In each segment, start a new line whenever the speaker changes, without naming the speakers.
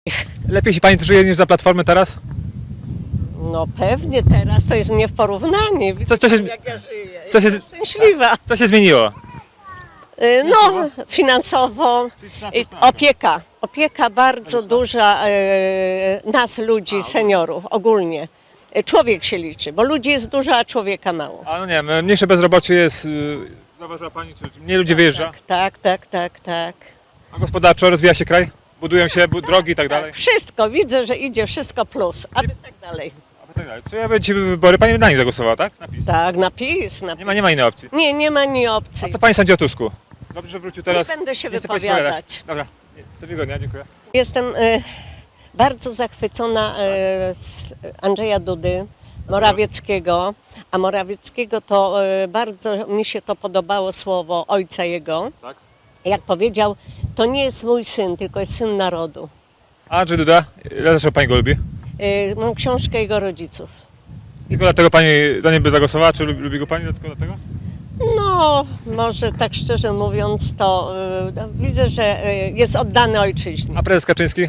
Lepiej się pani żyje niż za Platformy teraz?
No pewnie teraz to jest nie w porównaniu.
Co się,
Jak ja żyję.
co się-
Jestem szczęśliwa.
co się zmieniło?
No, finansowo. Opieka bardzo duża nas ludzi, seniorów ogólnie. Człowiek się liczy, bo ludzi jest dużo, a człowieka mało.
A no nie wiem, mniejsze bezrobocie jest, zauważyła pani, czy mniej ludzi wyjeżdża?
Tak.
A gospodarczo rozwija się kraj? Budują się drogi i tak dalej?
Wszystko, widzę, że idzie wszystko plus, aby tak dalej.
A tak dalej. Czy ja będzie wybory, pani na nich zagłosowała, tak? Na PiS.
Tak, napis.
Nie ma innej opcji.
Nie ma ni opcji.
A co pani sądzi o Tusku? Dobrze, że wrócił teraz.
Nie będę się
chce pani
wypowiadać.
spowiadać. Dobra, do miłego dnia, dziękuję.
Jestem bardzo zachwycona z Andrzeja Dudy, Morawieckiego, a Morawieckiego to bardzo mi się to podobało słowo ojca jego.
Tak?
Jak powiedział, to nie jest mój syn, tylko jest syn narodu.
A Andrzej Duda, dlaczego pani go lubi?
Mam książkę jego rodziców.
Tylko dlatego pani za nim by zagłosowała, czy lubi go pani tylko dlatego?
No, może tak szczerze mówiąc, to widzę, że jest oddany ojczyźnie.
A prezes Kaczyński?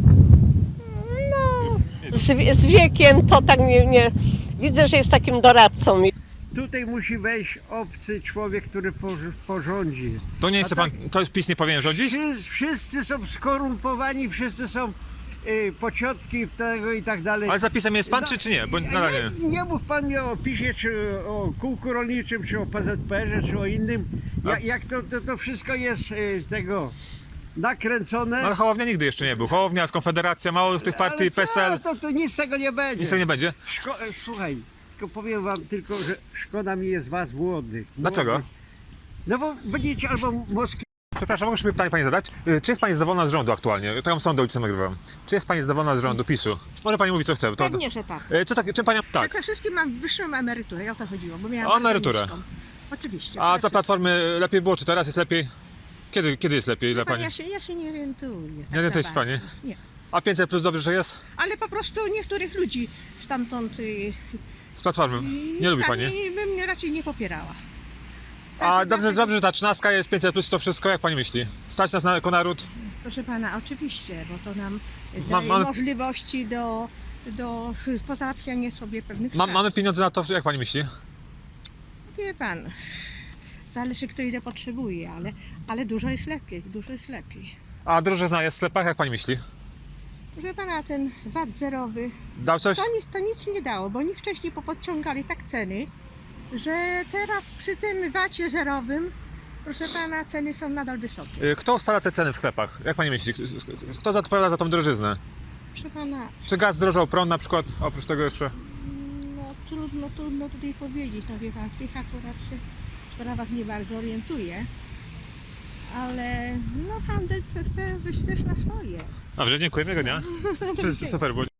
Z wiekiem to tak nie widzę, że jest takim doradcą.
Tutaj musi wejść obcy człowiek, który porządzi.
To nie chce
A tak-
pan, to już PiS nie powinien rządzić?
Wszyscy są skorumpowani, wszyscy są pociotki tego i tak dalej.
Ale za PiS-em jest pan, czy nie? Bo nadal nie.
Nie mów pan mi o PiS-ie, czy o kółku rolniczym, czy o PZPR-ze, czy o innym. Jak to wszystko jest z tego nakręcone.
No ale Hołownia nigdy jeszcze nie był. Hołownia, Konfederacja, mało tych partii,
Ale co?
PSL.
To nic z tego nie będzie.
Nic z tego nie będzie.
Słuchaj, tylko powiem wam tylko, że szkoda mi jest was młodych.
Dlaczego?
No bo będziecie albo Moskwy.
Przepraszam, mogę sobie pytanie pani zadać? Czy jest pani zadowolona z rządu aktualnie? To ją sądę ulicą nagrywam. Czy jest pani zadowolona z rządu PiS-u? Może pani mówi co chce. To...
Pewnie, że tak.
Czym pani... Tak.
Przede wszystkim mam wyższą emeryturę, o to chodziło, bo miałam
O
bardzo
emeryturę.
niską. Oczywiście.
A
przede
za Platformy lepiej było, czy teraz jest lepiej? Kiedy jest lepiej dla
wszystkim.
pani?
Ja się nie orientuję. Tak
Nie orientuje
za
się pani?
bardzo. Nie.
A 500 plus dobrze, że jest?
Ale po prostu niektórych ludzi stamtąd
Z Platformy. Nie lubi pani?
bym mnie raczej nie popierała.
A dobrze, że ta 13 jest 500 plus, to wszystko, jak pani myśli? Stać nas jako naród?
Proszę pana, oczywiście, bo to nam
Ma-
daje
mamy-
możliwości do pozałatwiania sobie pewnych spraw.
Mamy pieniądze na to, jak pani myśli?
Wie pan, zależy kto ile potrzebuje, ale dużo jest lepiej,
A drożyzna jest w sklepach, jak pani myśli?
Proszę pana, ten VAT zerowy
Dał coś?
to nic nie dało, bo oni wcześniej popodciągali tak ceny, że teraz przy tym VAT-cie zerowym, proszę pana, ceny są nadal wysokie.
Kto ustala te ceny w sklepach? Jak pani myśli? Kto odpowiada za tą drożyznę?
Proszę pana,
Czy gaz zdrożał, prąd na przykład? Oprócz tego jeszcze.
no trudno tutaj powiedzieć, no wie pan, w tych akurat się w sprawach nie bardzo orientuję, ale no handel chce wyjść też na swoje.
Dobrze, dziękuję, miłego dnia. Super było.